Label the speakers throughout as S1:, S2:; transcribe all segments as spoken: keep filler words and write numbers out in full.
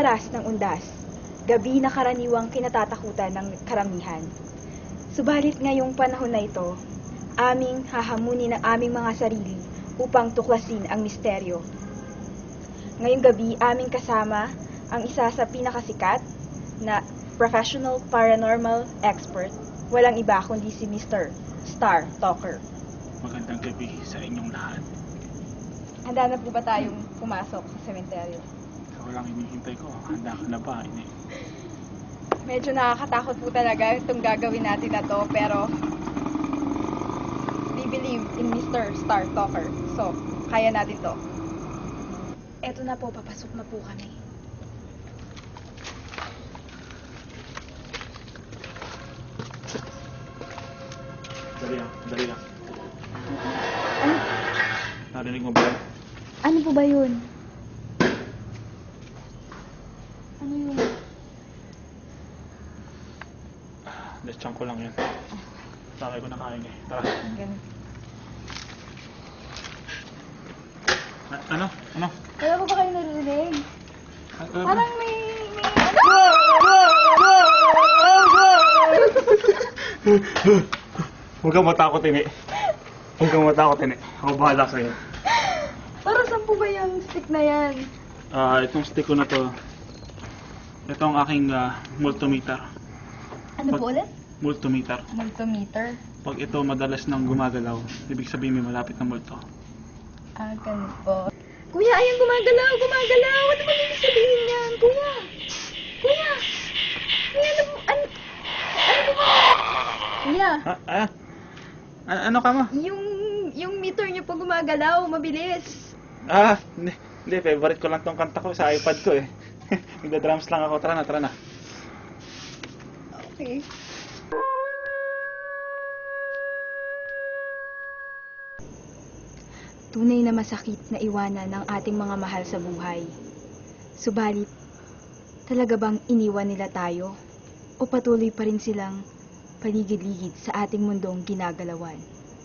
S1: oras ng undas, gabi na karaniwang kinatatakutan ng karamihan. Subalit ngayong panahon na ito, aming hahamunin ang aming mga sarili upang tuklasin ang misteryo. Ngayong gabi, aming kasama ang isa sa pinakasikat na professional paranormal expert, walang iba kundi si Mister Star Talker.
S2: Magandang gabi sa inyong lahat.
S1: Handa na po ba tayong pumasok sa sementeryo?
S2: Ikaw lang hinihintay ko. Handa ka na ba? Ini.
S1: Medyo nakakatakot po talaga itong gagawin natin na to, pero we believe in Mister Star Talker. So, kaya natin to. Eto na po, papasok na po kami.
S2: Dali lang, dali lang.
S1: Ano,
S2: Narinig mo ba yan?
S1: ano po ba yun? Ano yun?
S2: Lechang ko lang yan. Sakay ko na kain eh. Tara.
S1: Ganun.
S2: A- ano? Ano?
S1: Wala po ba kayo narinig?
S2: A- ano?
S1: Parang may... may...
S2: Huwag kang matakot, ini. Huwag kang matakot, ini. Ako bahala sa'yo.
S1: Para saan po ba yung stick na yan?
S2: Ah, itong stick ko na to. Ito ang aking ah, multimeter.
S1: Ano po ulit?
S2: Multimeter.
S1: Multimeter.
S2: Pag ito madalas nang gumagalaw, ibig sabihin may malapit na multo.
S1: Ah, ganun po. Kuya, ayan, gumagalaw, gumagalaw. Ano ba yung sabihin niyan? Kuya! Kuya! Kuya, ano, ano, ano po ba? Kuya,
S2: Ah, ah? A- ano ka mo?
S1: yung, yung meter niyo po gumagalaw, mabilis.
S2: Ah, hindi, hindi, favorite ko lang tong kanta ko sa iPad ko eh. Nagda-drums lang ako. Tara na, tara na.
S1: Okay. Tunay na masakit na iwanan ng ating mga mahal sa buhay. Subalit, talaga bang iniwan nila tayo? O patuloy pa rin silang paligid-ligid sa ating mundong ginagalawan?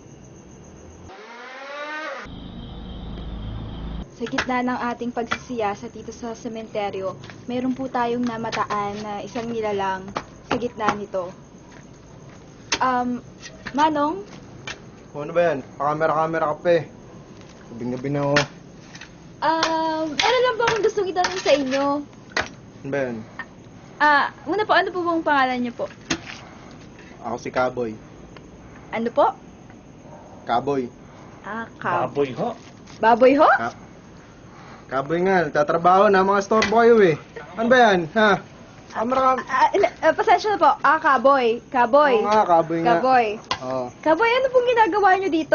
S1: Sa gitna ng ating pagsisiyasat dito sa sementeryo, mayroon po tayong namataan na isang nilalang sa gitna nito. Um, Manong,
S3: O, ano ba yan? Pakamera-kamera ka pa eh. Gabing-gabi na ako.
S1: um, ano lang po akong gustong itanong sa inyo.
S3: Ano ba yan?
S1: Ah, muna po, ano po bang pangalan niyo po?
S3: Ako si Kaboy.
S1: Ano po?
S3: Kaboy.
S1: Ah, Cab.
S2: Baboy ho.
S1: Baboy ho?
S3: Ka Kaboy nga, nagtatrabaho na mga store boy eh. Ano ba yan? Ha? Kamera ka...
S1: Ah, ila- ah, pasensya na po. Ah, Kaboy. Kaboy.
S3: Oo nga, Kaboy nga.
S1: Kaboy.
S3: Oo.
S1: Kaboy, ano pong ginagawa niyo dito?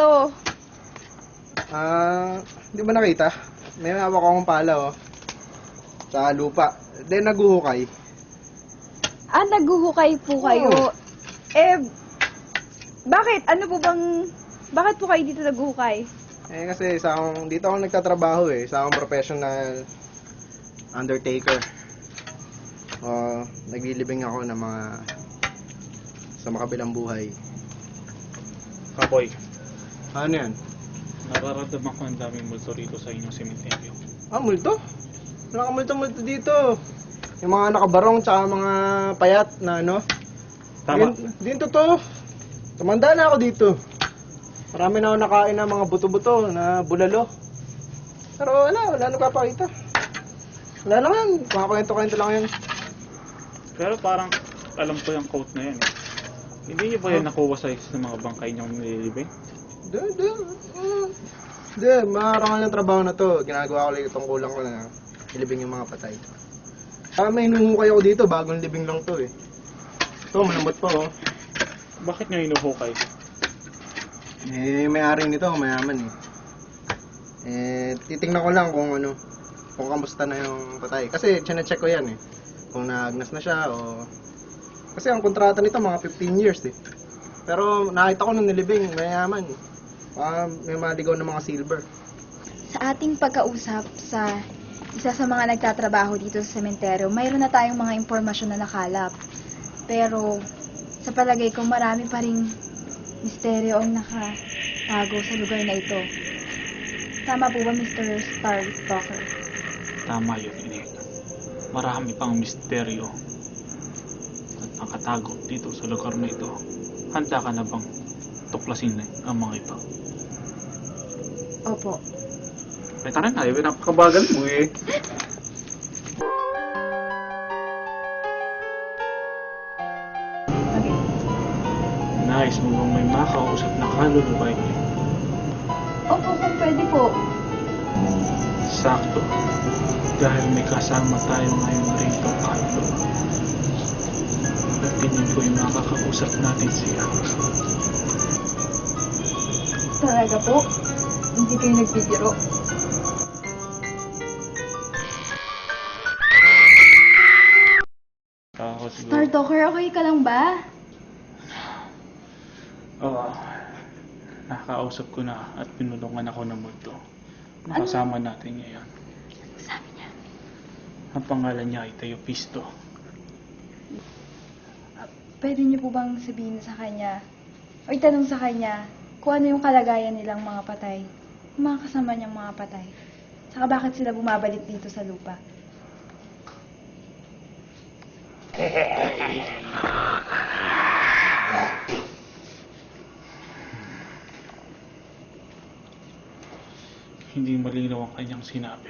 S3: Ah, hindi ba nakita? May hawak akong pala oh. Sa lupa. Then naguhukay.
S1: Ah, naguhukay po kayo.
S3: Oo.
S1: Eh, bakit? Ano po bang... Bakit po kayo dito naguhukay?
S3: Eh kasi isa akong, dito ako nagtatrabaho eh. Isa akong professional undertaker. O, naglilibing ako ng mga sa makabilang buhay.
S2: Kaboy,
S3: Ano yan?
S2: nararamdaman ko ang daming multo rito sa inyong sementeryo.
S3: Ah, multo? Wala ka multo-multo dito. Yung mga nakabarong tsaka mga payat na ano.
S2: Tama.
S3: Din, din totoo. Tumanda na ako dito. Marami na ako nakain ng mga buto-buto na bulalo. Pero wala, wala nagpapakita. Wala lang yan. Mga kwento-kwento lang yan.
S2: Pero parang alam ko yung quote na yan eh. Hindi niyo ba yan nakuha sa isa sa mga bangkay niyong nililibing?
S3: Di, di. mm. Di, makarangal ng trabaho na to. Ginagawa ko lang itong kulang ko na ilibing yung mga patay. Ah, may hinuhukay ako dito. Bagong libing lang to eh. Ito, malambot pa oh.
S2: Bakit niyo hinuhukay?
S3: Eh, may-ari nito, mayaman eh. Eh, titingnan ko lang kung ano, kung kamusta na yung patay. Kasi, chine-check ko yan eh. Kung naagnas na siya o... Kasi ang kontrata nito, mga fifteen years eh. Pero, nakita ko nung nilibing, mayaman. Ah, may maligaw na mga silver.
S1: Sa ating pagkausap sa isa sa mga nagtatrabaho dito sa sementeryo, mayroon na tayong mga impormasyon na nakalap. Pero, sa palagay ko, marami pa ring misteryo ang nakatago sa lugar na ito. Tama po ba, Mister Star Talker?
S2: Tama yun, ini. marami pang misteryo at nakatago dito sa lugar na ito. Handa ka na bang tuklasin ang mga ito?
S1: Opo.
S2: Ay, tara na, eh, napakabagal mo eh.
S1: Okay.
S2: Nice mo bang may makausap na kaluluwa eh.
S1: Opo, kung pwede po.
S2: Sakto. Dahil may kasama tayo ngayon rito, Carlo. At tingin ko yung makakausap natin siya.
S1: Talaga po? Hindi kayo nagbibiro?
S2: Ako siguro.
S1: Star Talker, okay ka lang ba?
S2: Oo. Nakakausap ko na at pinulungan ako ng multo. Nakasama natin ngayon.
S1: Sabi niya.
S2: Ang pangalan niya ay Teopisto.
S1: Pwede niyo po bang sabihin sa kanya, o itanong sa kanya, kung ano yung kalagayan nilang mga patay, yung mga kasama niyang mga patay, saka bakit sila bumabalik dito sa lupa?
S2: Hindi malinaw ang kanyang sinabi.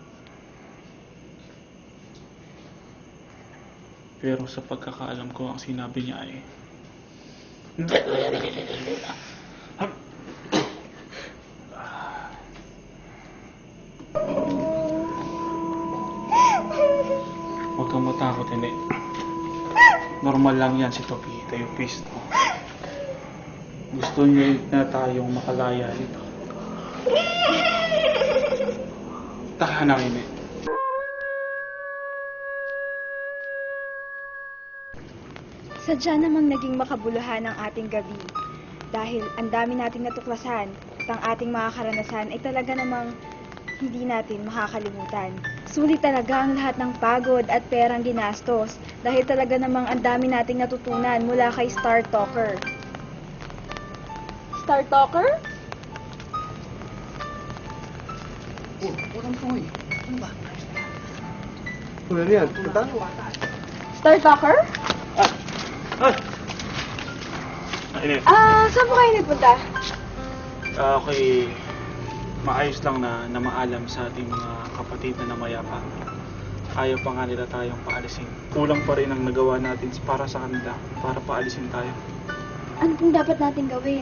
S2: Pero sa pagkakaalam ko, ang sinabi niya ay huwag kang matakot, hindi. Normal lang yan si Topi, Teopisto. Gusto niya na tayong makalaya dito. Tahanan, hindi.
S1: Sadya namang naging makabuluhan ang ating gabi. Dahil ang dami nating natuklasan at ang ating mga karanasan ay talaga namang hindi natin makakalimutan. Sulit talaga ang lahat ng pagod at perang ginastos dahil talaga namang ang dami nating natutunan mula kay Star Talker. Star Talker?
S3: Oh, walang tuloy. Ano ba? Ano yan? Punta?
S1: Star Talker?
S2: Ay! Init.
S1: Ah, saan po kayo nagpunta?
S2: Ah, okay. Maayos lang na, na maalam sa ating mga kapatid na namayapa. Ayaw pa nga nila tayong paalisin. Kulang pa rin ang nagawa natin para sa kanila, para paalisin tayo.
S1: Ano pong dapat natin gawin?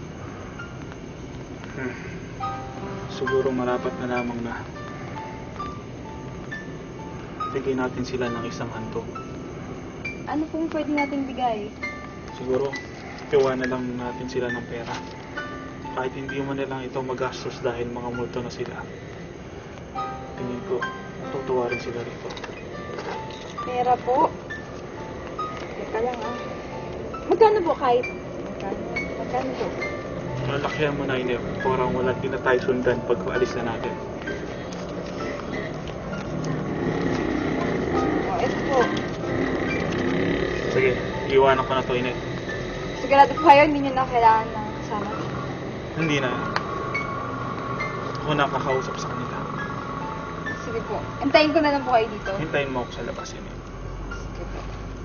S2: Hmm. Siguro marapat na lamang na bigyan natin sila ng isang handog.
S1: Ano pong pwede nating bigay?
S2: Siguro, tiwa na lang natin sila ng pera. Kahit hindi mo na lang ito magastos dahil mga multo na sila. Tingin ko, tutuwa rin sila rito.
S1: Pera po. Teka lang ah. Magkano po kahit? Magkano? Magkano po?
S2: Malakyan mo na yun eh. Parang wala din na tayo sundan pag alis na natin.
S1: Oh, ito po.
S2: Sige, iwanan ko na to, Inet.
S1: Sigurado po kayo, hindi nyo na kailangan ng kasama.
S2: Hindi na. Ako nakakausap sa kanila.
S1: Sige po. Antayin ko na lang po kayo dito.
S2: Hintayin mo ako sa labas, Inet.
S1: Sige po.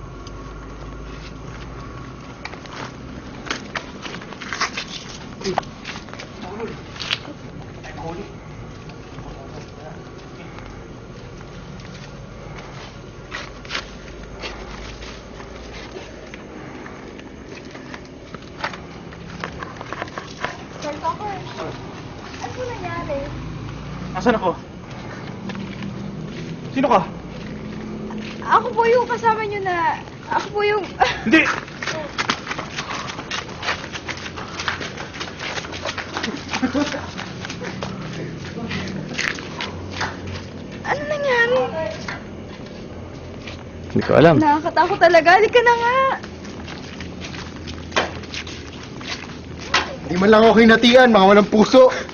S1: Sir Talker, ano po nangyari?
S2: Asan ako? Sino ka?
S1: Ako po yung kasama nyo na... Ako po yung...
S2: Hindi!
S1: Ano nangyari?
S3: Hindi ko alam.
S1: Nakakatakot talaga. Halika na nga.
S3: Hindi man lang ako hinatian, mga walang puso.